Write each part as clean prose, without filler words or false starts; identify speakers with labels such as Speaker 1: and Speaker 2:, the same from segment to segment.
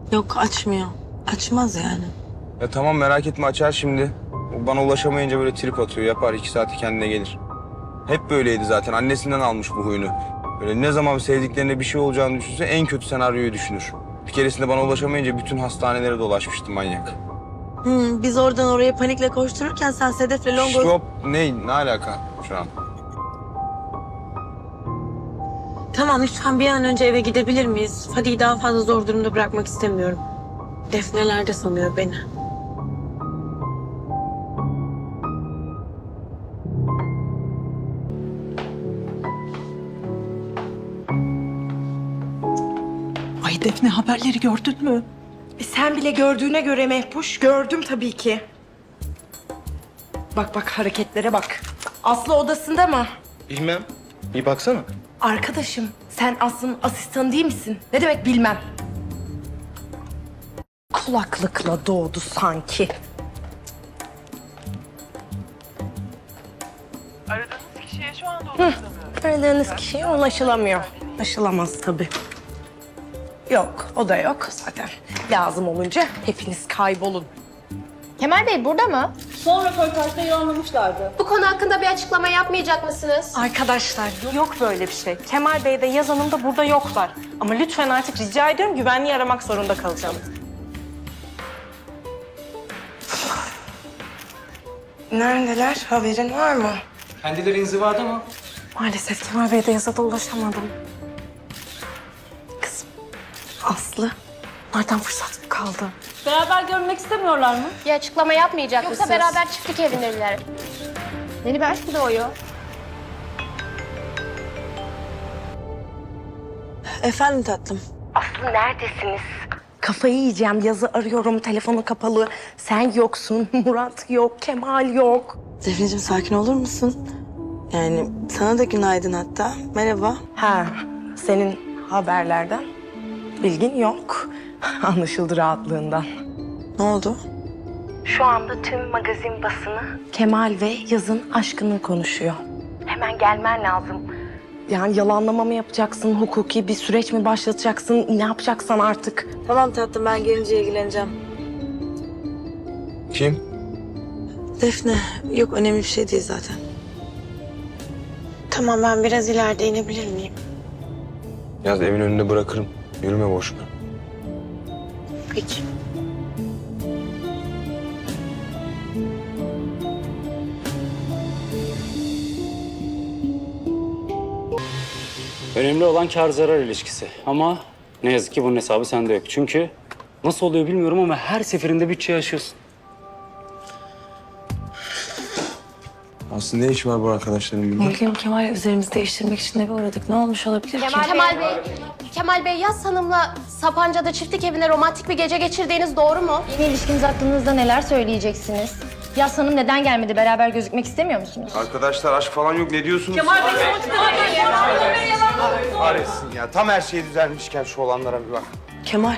Speaker 1: Yok, açmıyor. Açmaz yani.
Speaker 2: Ya tamam merak etme açar şimdi. O bana ulaşamayınca böyle trip atıyor. Yapar 2 saati kendine gelir. Hep böyleydi zaten. Annesinden almış bu huyunu. Böyle ne zaman sevdiklerine bir şey olacağını düşünse en kötü senaryoyu düşünür. Bir keresinde bana ulaşamayınca bütün hastanelere dolaşmıştı manyak.
Speaker 1: Biz oradan oraya panikle koştururken sen Sedef'le Longoz...
Speaker 2: Şop ne alaka şu an?
Speaker 1: Tamam, lütfen bir an önce eve gidebilir miyiz? Fadi'yi daha fazla zor durumda bırakmak istemiyorum. Defneler sanıyor beni.
Speaker 3: Ay Defne, haberleri gördün mü?
Speaker 4: Sen bile gördüğüne göre Mehpuş, gördüm tabii ki. Bak hareketlere bak. Aslı odasında mı?
Speaker 5: Bilmem. Bir baksana.
Speaker 4: Arkadaşım, sen Aslı'nın asistanı değil misin? Ne demek bilmem. Kulaklıkla doğdu sanki.
Speaker 6: Aradığınız kişiye şu anda ulaşılamıyor.
Speaker 4: Aradığınız kişiye ulaşılamıyor. Ulaşılamaz tabii. Yok, o da yok zaten. Lazım olunca hepiniz kaybolun.
Speaker 7: Kemal Bey burada mı?
Speaker 8: Son röportajda yoğunlamışlardı.
Speaker 7: Bu konu hakkında bir açıklama yapmayacak mısınız?
Speaker 4: Arkadaşlar yok böyle bir şey. Kemal Bey de Yaz Hanım da burada yoklar. Ama lütfen artık rica ediyorum güvenliği aramak zorunda kalacağım. Neredeler? Haberin var mı?
Speaker 5: Kendileri inzivada mı?
Speaker 4: Maalesef Kemal Bey de Yaz'a da ulaşamadım. Kızım, Aslı. Nereden fırsat kaldı?
Speaker 8: Beraber görmek istemiyorlar mı?
Speaker 7: Bir açıklama yapmayacak
Speaker 4: Yoksa
Speaker 7: mısınız? Yoksa beraber çiftlik evindeler. Yeni bir aşk mı doğuyor?
Speaker 1: Efendim tatlım.
Speaker 4: Aslı neredesiniz? Kafayı yiyeceğim. Yaz'ı arıyorum. Telefonu kapalı. Sen yoksun. Murat yok. Kemal yok.
Speaker 1: Defneciğim sakin olur musun? Yani sana da günaydın hatta. Merhaba.
Speaker 4: Ha, senin haberlerden bilgin yok. Anlaşıldı rahatlığından.
Speaker 1: Ne oldu?
Speaker 4: Şu anda tüm magazin basını Kemal ve Yaz'ın aşkını konuşuyor. Hemen gelmen lazım. Yani yalanlama mı yapacaksın, hukuki bir süreç mi başlatacaksın, ne yapacaksan artık.
Speaker 1: Tamam tatlım, ben gelince ilgileneceğim.
Speaker 2: Kim?
Speaker 1: Defne, yok önemli bir şey değil zaten. Tamam, ben biraz ileride inebilir miyim?
Speaker 2: Yaz evin önünde bırakırım. Yürüme boşuna.
Speaker 1: Peki.
Speaker 9: Önemli olan kar zarar ilişkisi. Ama ne yazık ki bunun hesabı sende yok. Çünkü nasıl oluyor bilmiyorum ama her seferinde bütçeyi aşıyorsun.
Speaker 2: Aslında ne iş var bu arkadaşların burada?
Speaker 1: Bugün Kemal üzerimizi değiştirmek için eve uğradık. Ne olmuş olabilir ki?
Speaker 7: Kemal Bey, Yaz Hanım'la Sapanca'da çiftlik evinde romantik bir gece geçirdiğiniz doğru mu?
Speaker 8: Yeni ilişkiniz hakkınızda neler söyleyeceksiniz? Yas Hanım neden gelmedi? Beraber gözükmek istemiyor musunuz?
Speaker 2: Arkadaşlar aşk falan yok ne diyorsunuz? Kahretsin ya tam her şey düzelmişken şu olanlara bir bak.
Speaker 1: Kemal,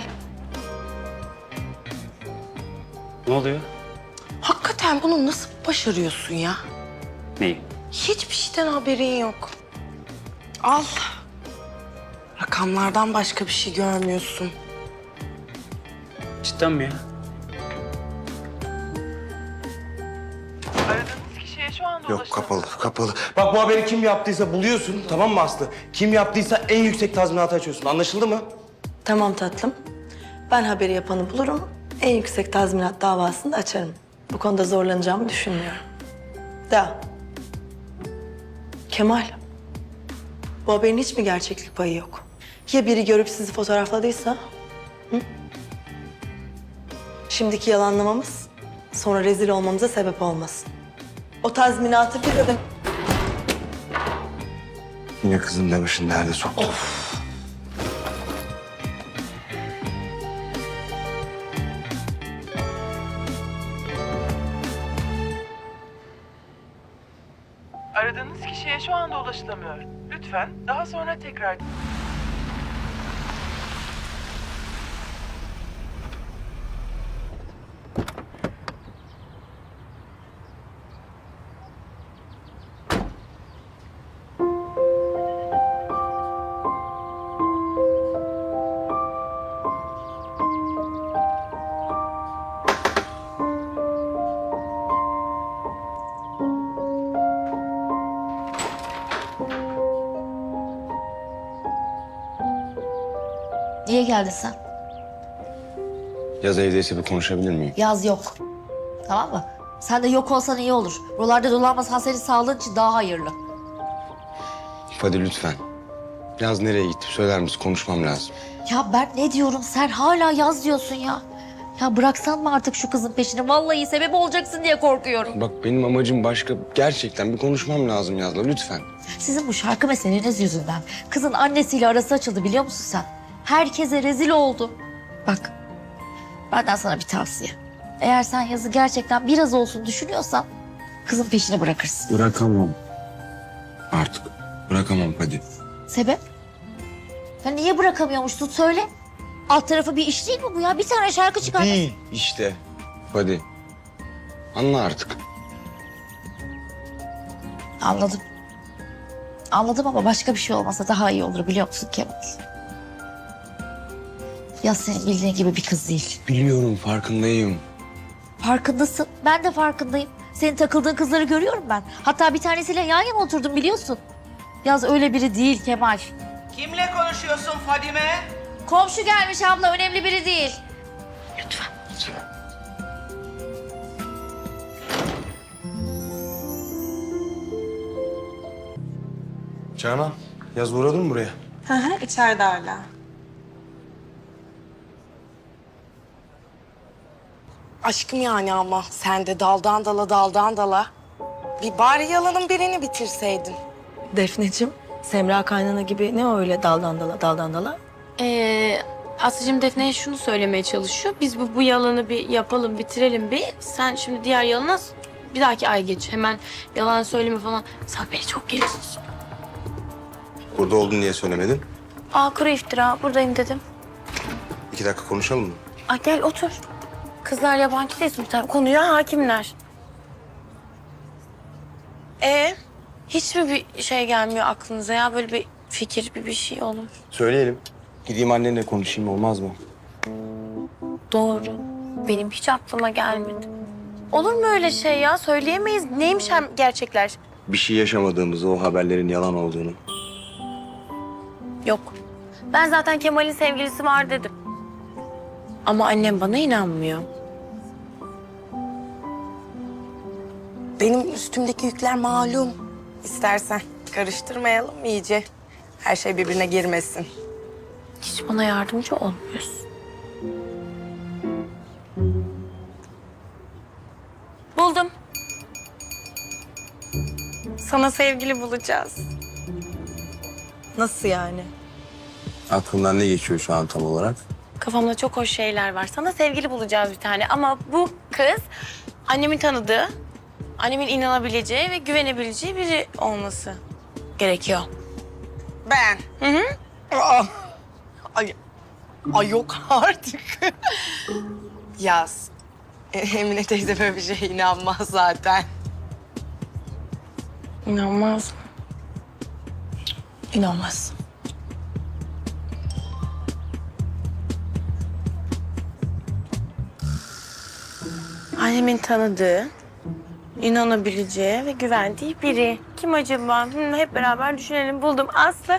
Speaker 9: Ne oluyor?
Speaker 4: Hakikaten bunu nasıl başarıyorsun ya?
Speaker 9: Neyi?
Speaker 4: Hiçbir şeyden haberin yok. Al. Rakamlardan başka bir şey görmüyorsun.
Speaker 9: Cidden mi ya?
Speaker 6: Aradığınız kişiye şu anda
Speaker 5: Yok kapalı. Bak bu haberi kim yaptıysa buluyorsun tamam mı Aslı? Kim yaptıysa en yüksek tazminatı açıyorsun anlaşıldı mı?
Speaker 1: tamam tatlım. Ben haberi yapanı bulurum. En yüksek tazminat davasını da açarım. Bu konuda zorlanacağımı düşünmüyorum. Da. Kemal, bu haberin hiç mi gerçeklik payı yok? Ya biri görüp sizi fotoğrafladıysa? Hı? Şimdiki yalanlamamız sonra rezil olmamıza sebep olmasın. O tazminatı bir ödem...
Speaker 5: Yine kızın demişin nerede soktu?
Speaker 6: Aradığınız kişiye şu anda ulaşılamıyor. Lütfen daha sonra tekrar...
Speaker 10: Niye geldin sen?
Speaker 2: Yaz evdeyse bir konuşabilir miyim?
Speaker 10: Yaz yok. Tamam mı? Sen de yok olsan iyi olur. Buralarda dolanmasan senin sağlığın için daha hayırlı.
Speaker 2: Hadi lütfen. Yaz nereye gitti söyler misin? Konuşmam lazım.
Speaker 10: Ya ben ne diyorum sen hala yaz diyorsun ya. Ya bıraksan mı artık şu kızın peşini? Vallahi sebep olacaksın diye korkuyorum.
Speaker 2: Bak benim amacım başka. Gerçekten bir konuşmam lazım Yaz'la lütfen.
Speaker 10: Sizin bu şarkı meseleniz yüzünden kızın annesiyle arası açıldı biliyor musun sen? Herkese rezil oldu. Bak benden sana bir tavsiye. Eğer sen yazı gerçekten biraz olsun düşünüyorsan kızın peşini bırakırsın.
Speaker 2: Bırakamam. Artık bırakamam hadi.
Speaker 10: Sebep? Ya niye bırakamıyormuşsun söyle. Alt tarafı bir iş değil mi bu ya? Bir tane şarkı çıkar.
Speaker 2: Değil işte. Hadi. Anla artık.
Speaker 10: Anladım. Anladım ama başka bir şey olmasa daha iyi olur biliyor musun Kemal? Ya senin bildiğin gibi bir kız değil.
Speaker 2: Biliyorum farkındayım.
Speaker 10: Farkındasın. Ben de farkındayım. Senin takıldığın kızları görüyorum ben. Hatta bir tanesiyle yan yana oturdum biliyorsun. Yaz öyle biri değil Kemal.
Speaker 6: Kimle konuşuyorsun Fadime?
Speaker 10: Komşu gelmiş abla önemli biri değil. Lütfen.
Speaker 5: Canan, Yaz uğradın mı buraya?
Speaker 3: Hı hı, içeride hala.
Speaker 4: Aşkım yani ama sen de daldan dala daldan dala. Bir bari yalanın birini bitirseydin.
Speaker 1: Defneciğim, Semra kaynana gibi ne öyle daldan dala daldan dala?
Speaker 7: Aslıcığım Defne'ye şunu söylemeye çalışıyor. Biz bu yalanı bir yapalım, bitirelim bir. Sen şimdi diğer yalana bir dahaki ay geç. Hemen yalan söyleme falan. Sen beni çok geriyorsun.
Speaker 2: Burada oldun diye söylemedin.
Speaker 7: Kuru iftira. Buradayım dedim.
Speaker 2: 2 dakika konuşalım mı?
Speaker 7: Gel otur. Kızlar yabancı değil Sultan. Konuya hakimler. Hiç mi bir şey gelmiyor aklınıza ya? Böyle bir fikir, bir şey olur.
Speaker 2: Söyleyelim. Gideyim annenle konuşayım olmaz mı?
Speaker 7: Doğru. Benim hiç aklıma gelmedi. Olur mu öyle şey ya? Söyleyemeyiz. Neymiş hem gerçekler?
Speaker 2: Bir şey yaşamadığımızı, o haberlerin yalan olduğunu.
Speaker 7: Yok. Ben zaten Kemal'in sevgilisi var dedim. Ama annem bana inanmıyor.
Speaker 4: Benim üstümdeki yükler malum. İstersen karıştırmayalım iyice. Her şey birbirine girmesin.
Speaker 7: Hiç bana yardımcı olmuyorsun. Buldum. Sana sevgili bulacağız.
Speaker 1: Nasıl yani?
Speaker 2: Aklından ne geçiyor şu an tam olarak?
Speaker 7: Kafamda çok hoş şeyler var. Sana sevgili bulacağız bir tane. Ama bu kız annemin tanıdığı, annemin inanabileceği ve güvenebileceği biri olması gerekiyor.
Speaker 4: Ben.
Speaker 7: Hı hı.
Speaker 4: Ay yok artık. Yaz. Emine teyze böyle bir şeye inanmaz zaten.
Speaker 7: İnanmaz.
Speaker 1: İnanmaz.
Speaker 7: Annemin tanıdığı, inanabileceği ve güvendiği biri. Kim acaba? Hep beraber düşünelim. Buldum. Aslı.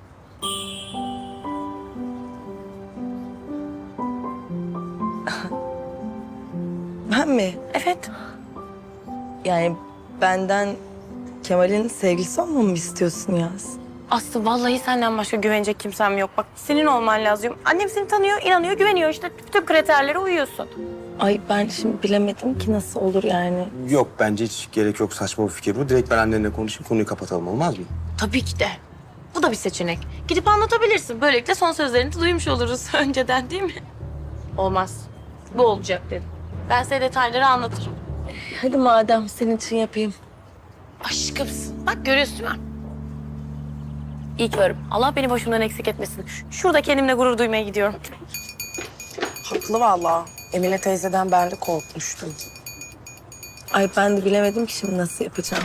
Speaker 1: Ben mi?
Speaker 7: Evet.
Speaker 1: Yani benden Kemal'in sevgilisi olmamı istiyorsun Yaz?
Speaker 7: Aslı vallahi senden başka güvenecek kimsem yok. Bak senin olman lazım. Annem seni tanıyor, inanıyor, güveniyor. İşte tüm kriterlere uyuyorsun.
Speaker 1: Ay ben şimdi bilemedim ki nasıl olur yani.
Speaker 2: Yok bence hiç gerek yok, saçma bir fikir bu. Direkt ben annenle konuşayım, konuyu kapatalım olmaz mı?
Speaker 7: Tabii ki de. Bu da bir seçenek. Gidip anlatabilirsin. Böylelikle son sözlerini de duymuş oluruz önceden değil mi? Olmaz. Bu olacak dedim. Ben size detayları anlatırım.
Speaker 1: Hadi madem senin için yapayım.
Speaker 7: Aşkımsın. Bak görüyorsun değil mi? İyi ki varım. Allah beni başımdan eksik etmesin. Şurada kendimle gurur duymaya gidiyorum.
Speaker 4: Haklı vallahi. Emine teyzeden ben de korkmuştum.
Speaker 1: Ay ben de bilemedim ki şimdi nasıl yapacağım.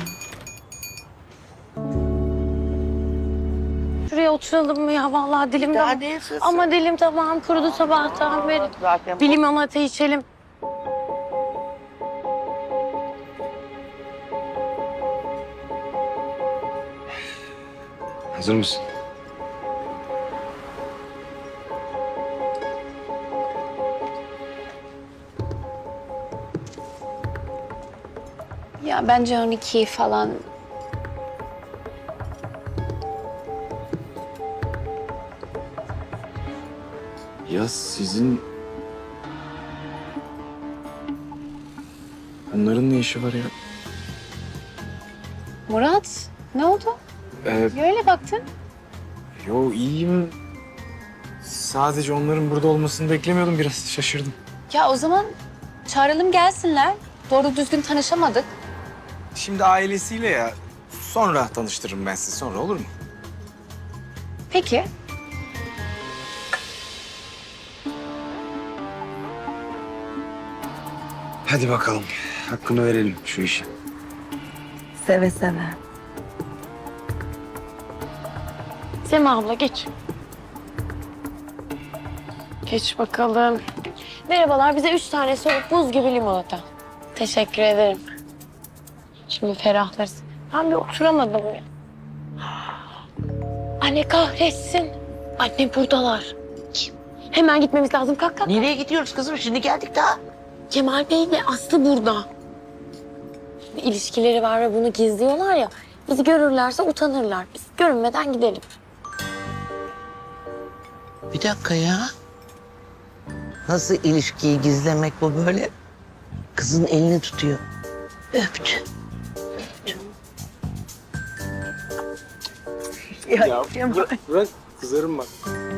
Speaker 7: Şuraya oturalım mı ya? Vallahi dilim de... Ama dilim tamam kurudu sabahtan beri. Bir limonata içelim.
Speaker 2: Hazır mısın?
Speaker 7: Ya bence 12 falan.
Speaker 11: Ya sizin... Bunların ne işi var ya?
Speaker 7: Murat, ne oldu? Öyle baktın.
Speaker 11: Yo iyiyim. Sadece onların burada olmasını beklemiyordum. Biraz şaşırdım.
Speaker 7: Ya o zaman çağıralım gelsinler. Doğru düzgün tanışamadık.
Speaker 11: Şimdi ailesiyle ya. Sonra tanıştırırım ben sizi. Sonra olur mu?
Speaker 7: Peki.
Speaker 2: Hadi bakalım. Hakkını verelim şu işe.
Speaker 1: Seve seve.
Speaker 7: Sema abla geç. Geç bakalım. Merhabalar, bize 3 tane soğuk buz gibi limonata. Teşekkür ederim. Şimdi ferahlarız. Ben bir oturamadım ya. Anne kahretsin. Anne buradalar. Kim? Hemen gitmemiz lazım. Kalk kalk.
Speaker 3: Nereye gidiyoruz kızım? Şimdi geldik daha.
Speaker 7: Kemal Bey ile Aslı burada. Bir ilişkileri var ve bunu gizliyorlar ya. Bizi görürlerse utanırlar. Biz görünmeden gidelim.
Speaker 3: Bir dakika ya. Nasıl ilişkiyi gizlemek bu böyle? Kızın elini tutuyor. Öptü.
Speaker 11: Bırak kızarım bak.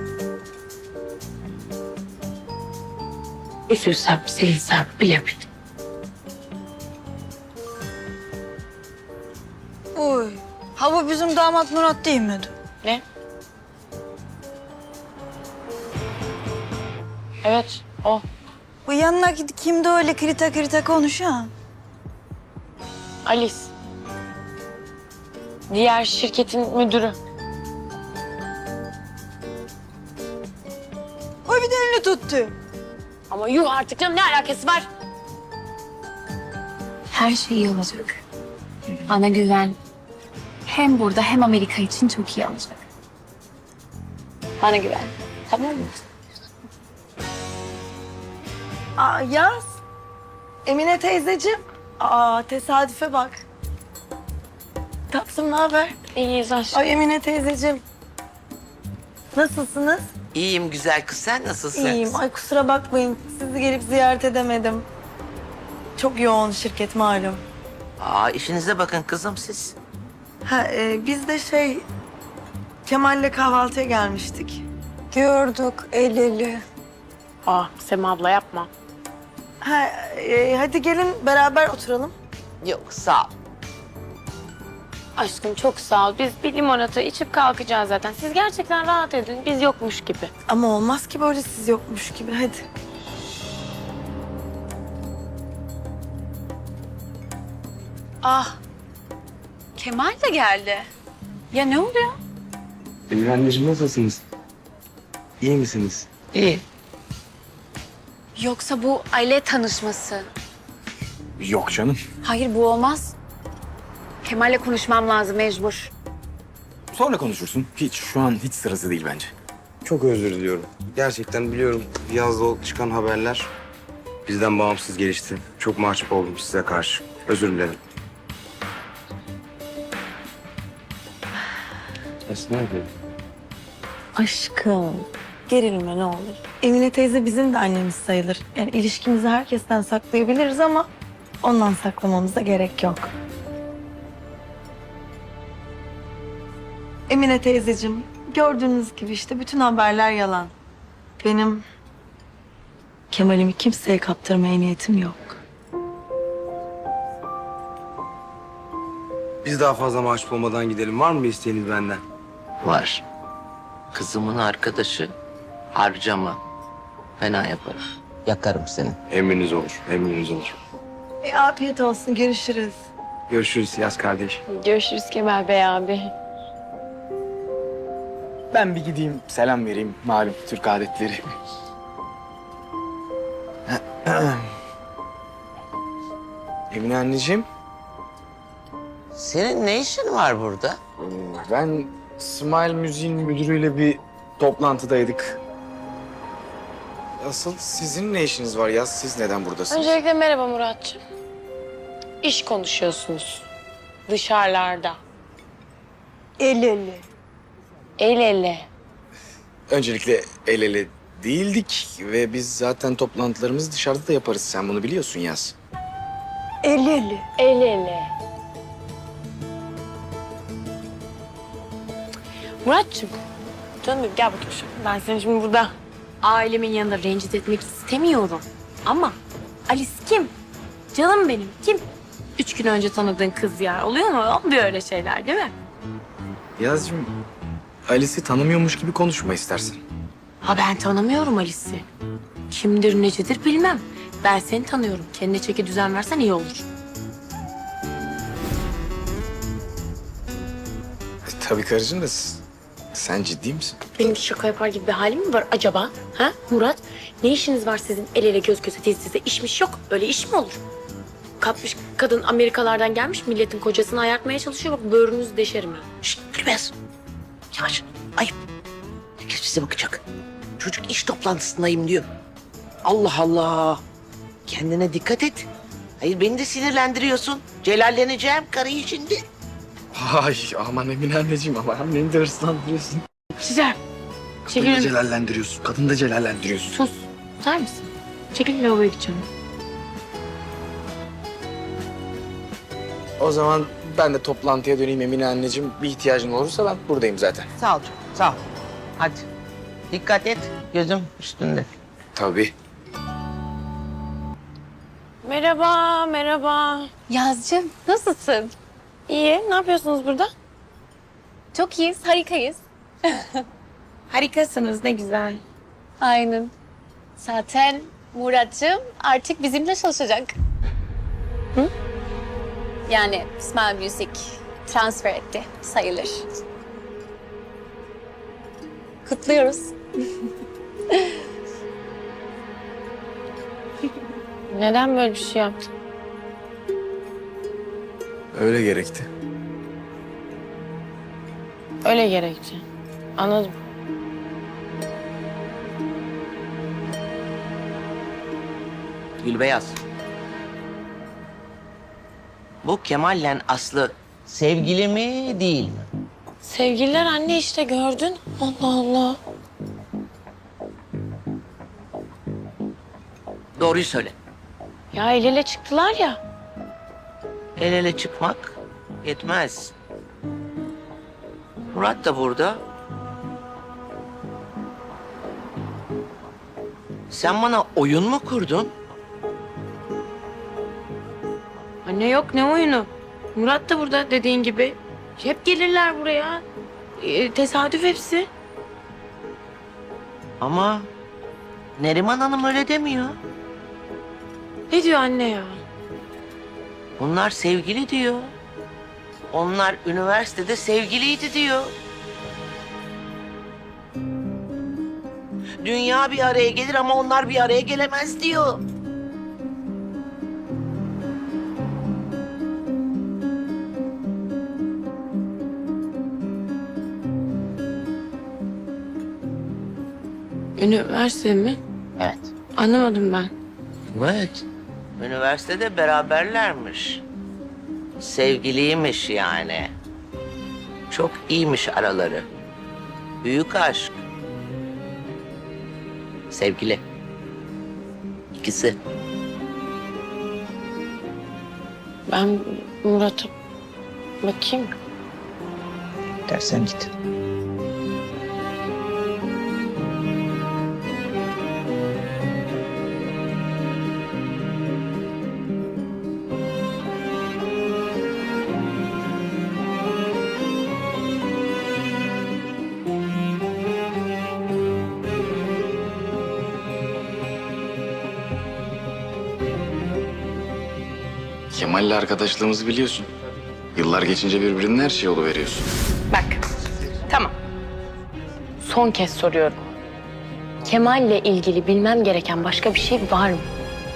Speaker 3: Üzülsem, sevinsem bilemedim.
Speaker 12: Oy. Ha bu bizim damat Murat değil miydi?
Speaker 7: Ne? Evet, o.
Speaker 12: Bu yanındaki kimdi öyle krita krita konuşan?
Speaker 7: Alice. Diğer şirketin müdürü.
Speaker 12: O bir de elini tuttu.
Speaker 7: Ama yuh artık canım, ne alakası var?
Speaker 13: Her şey iyi olacak. Bana güven. Hem burada hem Amerika için çok iyi olacak.
Speaker 7: Bana güven. Tamam mı?
Speaker 1: Aa, Yaz. Emine teyzeciğim. Aa, tesadüfe bak. Tatlım, ne haber?
Speaker 7: İyiyiz aşkım.
Speaker 1: Ay Emine teyzeciğim. Nasılsınız?
Speaker 3: İyiyim güzel kız, sen nasılsın?
Speaker 1: İyiyim. Ay kusura bakmayın. Sizi gelip ziyaret edemedim. Çok yoğun şirket malum.
Speaker 3: Aa, işinize bakın kızım siz.
Speaker 1: Biz de Kemal'le kahvaltıya gelmiştik.
Speaker 12: Gördük el ele.
Speaker 7: Sema abla yapma.
Speaker 1: Hadi gelin beraber oturalım.
Speaker 3: Yok sağ ol.
Speaker 7: Aşkım çok sağ ol. Biz bir limonata içip kalkacağız zaten. Siz gerçekten rahat edin. Biz yokmuş gibi.
Speaker 1: Ama olmaz ki böyle siz yokmuş gibi. Hadi.
Speaker 12: Kemal de geldi. Ya ne oluyor?
Speaker 2: Emine anneciğim nasılsınız? İyi misiniz?
Speaker 3: İyi.
Speaker 13: Yoksa bu aile tanışması.
Speaker 11: Yok canım.
Speaker 13: Hayır, bu olmaz. Kemal'le konuşmam lazım mecbur.
Speaker 11: Sonra konuşursun. Şu an hiç sırası değil bence.
Speaker 2: Çok özür diliyorum. Gerçekten biliyorum yazda çıkan haberler bizden bağımsız gelişti. Çok mahcup oldum size karşı. Özür dilerim. Esna abi.
Speaker 1: Aşkım. Gerilme ne olur. Emine teyze bizim de annemiz sayılır. Yani ilişkimizi herkesten saklayabiliriz ama ondan saklamamıza gerek yok. Emine teyzeciğim, gördüğünüz gibi işte bütün haberler yalan. Benim Kemal'imi kimseye kaptırmaya niyetim yok.
Speaker 2: Biz daha fazla mahcup olmadan gidelim. Var mı bir isteğiniz benden?
Speaker 3: Var. Kızımın arkadaşı harcama. Fena yaparım. Yakarım seni.
Speaker 2: Emriniz olur, emriniz olur.
Speaker 1: Afiyet olsun, görüşürüz.
Speaker 2: Görüşürüz Yaz kardeş.
Speaker 7: Görüşürüz Kemal Bey abi.
Speaker 11: Ben bir gideyim selam vereyim. Malum Türk adetleri. Emine anneciğim.
Speaker 3: Senin ne işin var burada?
Speaker 11: Ben Smile Müziğin müdürüyle bir toplantıdaydık. Asıl sizin ne işiniz var ya? Siz neden buradasınız?
Speaker 7: Öncelikle merhaba Muratcığım. İş konuşuyorsunuz. Dışarılarda.
Speaker 1: El ele.
Speaker 7: El ele.
Speaker 11: Öncelikle el ele değildik ve biz zaten toplantılarımızı dışarıda da yaparız. Sen bunu biliyorsun Yaz.
Speaker 1: El ele.
Speaker 7: El ele. Muratçım, canım benim gel bakayım şu. Ben seni şimdi burada ailemin yanında rencide etmek istemiyorum. Ama Alice kim? Canım benim kim? 3 gün önce tanıdığın kız ya. Oluyor mu? Olmuyor öyle şeyler değil mi?
Speaker 11: Yazcığım, Alice'i tanımıyormuş gibi konuşma istersen.
Speaker 7: Ha ben tanımıyorum Alice'i. Kimdir necedir bilmem. Ben seni tanıyorum. Kendine çeki düzen versen iyi olur.
Speaker 11: Tabii karıcığım da sen ciddi misin?
Speaker 7: Benim şaka yapar gibi bir halim mi var acaba? Ha Murat? Ne işiniz var sizin el ele göz göze diz dize? İşmiş yok. Öyle iş mi olur? Kapmış kadın Amerikalardan gelmiş milletin kocasını ayartmaya çalışıyor. Bak böğrünüzü deşerim ha.
Speaker 3: Şşt Gülbez. Yavaş. Ayıp. Herkes bize bakacak. Çocuk iş toplantısındayım diyor. Allah Allah. Kendine dikkat et. Hayır beni de sinirlendiriyorsun. Celalleneceğim karıyı şimdi.
Speaker 11: Ay aman Emine anneciğim ama beni de hırslandırıyorsun.
Speaker 7: Güzel.
Speaker 11: Kadını da
Speaker 7: Çekilin.
Speaker 11: celallendiriyorsun. Kadını da celallendiriyorsun.
Speaker 7: Sus. Tutar mısın? Çekil lavaboya gideceğim.
Speaker 11: O zaman ben de toplantıya döneyim Emine anneciğim. Bir ihtiyacın olursa ben buradayım zaten.
Speaker 3: Sağ ol canım, sağ ol. Hadi. Dikkat et. Gözüm üstünde.
Speaker 11: Tabii.
Speaker 7: Merhaba, merhaba.
Speaker 13: Yazcığım nasılsın?
Speaker 7: İyi, ne yapıyorsunuz burada?
Speaker 13: Çok iyiyiz, harikayız.
Speaker 7: Harikasınız, ne güzel.
Speaker 13: Aynen. Zaten Muratcığım artık bizimle çalışacak. Hı? Yani Smile Music transfer etti sayılır. Kutluyoruz.
Speaker 7: Neden böyle bir şey yaptın?
Speaker 11: Öyle gerekti.
Speaker 7: Öyle gerekti. Anladım.
Speaker 3: Gülbeyaz. Bu Kemal'le Aslı sevgili mi değil mi?
Speaker 7: Sevgililer anne işte gördün. Allah Allah.
Speaker 3: Doğruyu söyle.
Speaker 7: Ya el ele çıktılar ya.
Speaker 3: El ele çıkmak yetmez. Murat da burada. Sen bana oyun mu kurdun?
Speaker 7: Anne yok ne oyunu. Murat da burada dediğin gibi. Hep gelirler buraya. Tesadüf hepsi.
Speaker 3: Ama Neriman Hanım öyle demiyor.
Speaker 7: Ne diyor anne ya?
Speaker 3: Bunlar sevgili diyor. Onlar üniversitede sevgiliydi diyor. Dünya bir araya gelir ama onlar bir araya gelemez diyor.
Speaker 7: Üniversite mi?
Speaker 3: Evet.
Speaker 7: Anlamadım ben.
Speaker 3: Evet. Üniversitede beraberlermiş. Sevgiliymiş yani. Çok iyiymiş araları. Büyük aşk. Sevgili. İkisi.
Speaker 7: Ben Murat'a bakayım.
Speaker 3: Dersen git.
Speaker 11: Kemal'le arkadaşlığımızı biliyorsun. Yıllar geçince birbirinin her şeyi oluveriyorsun.
Speaker 7: Bak. Tamam. Son kez soruyorum. Kemal'le ilgili bilmem gereken başka bir şey var mı?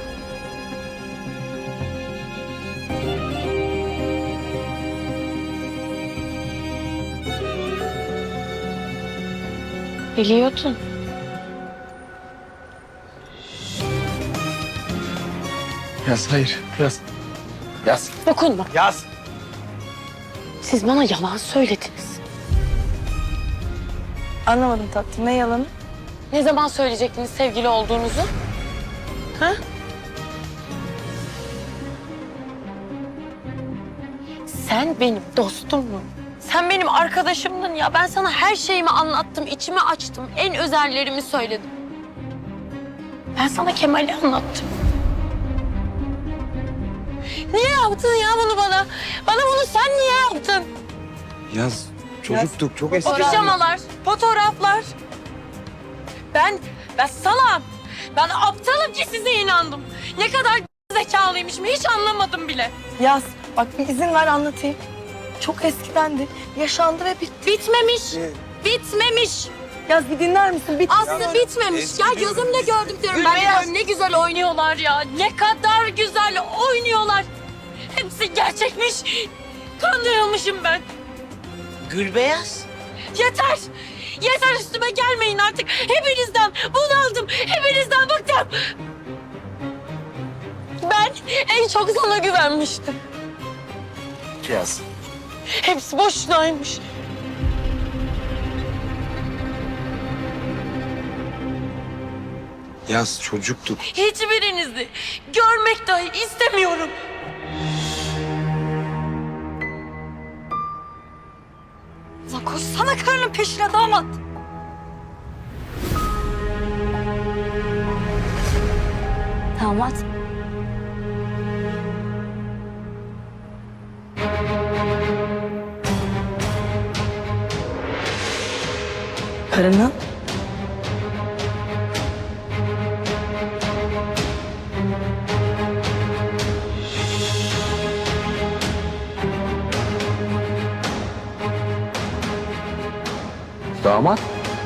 Speaker 7: Biliyordun.
Speaker 11: Yaz hayır, Yaz. Yaz.
Speaker 4: Dokunma.
Speaker 5: Yaz.
Speaker 4: Siz bana yalan söylediniz.
Speaker 1: Anlamadım tatlım. Ne yalanı?
Speaker 4: Ne zaman söyleyecektiniz sevgili olduğunuzu? Ha? Sen benim dostumdun. Sen benim arkadaşımdın ya. Ben sana her şeyimi anlattım, içimi açtım. En özellerimi söyledim. Ben sana Kemal'i anlattım. Niye yaptın ya bunu bana? Bana bunu sen niye yaptın?
Speaker 2: Yaz çocuktuk çok eski.
Speaker 4: Pijamalar, fotoğraflar. Ben salam. Ben aptalım ki size inandım. Ne kadar zekalıymışım hiç anlamadım bile.
Speaker 1: Yaz. Bak bir izin ver anlatayım. Çok eskidendi. Yaşandı ve bitti.
Speaker 4: Bitmemiş. Bitmemiş.
Speaker 1: Yaz bir dinler misin? Bitti.
Speaker 4: Aslı bitmemiş. Ya gözümle gördüm diyorum. Ben ya, ne güzel oynuyorlar ya. Ne kadar güzel oynuyorlar. Hepsi gerçekmiş. Kandırılmışım ben.
Speaker 3: Gülbeyaz.
Speaker 4: Yeter. Yeter üstüme gelmeyin artık. Hepinizden bunaldım. Hepinizden bıktım. Ben en çok sana güvenmiştim.
Speaker 11: Yaz.
Speaker 4: Hepsi boşunaymış.
Speaker 2: Yaz çocuktuk.
Speaker 4: Hiçbirinizi görmek dahi istemiyorum. Lan koşsana karının peşine damat.
Speaker 10: Damat.
Speaker 1: Karının.
Speaker 11: Damat.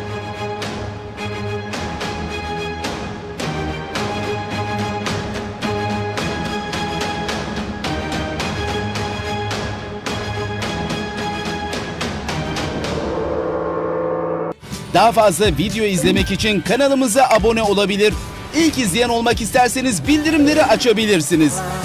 Speaker 14: Daha fazla video izlemek için kanalımıza abone olabilir. İlk izleyen olmak isterseniz bildirimleri açabilirsiniz.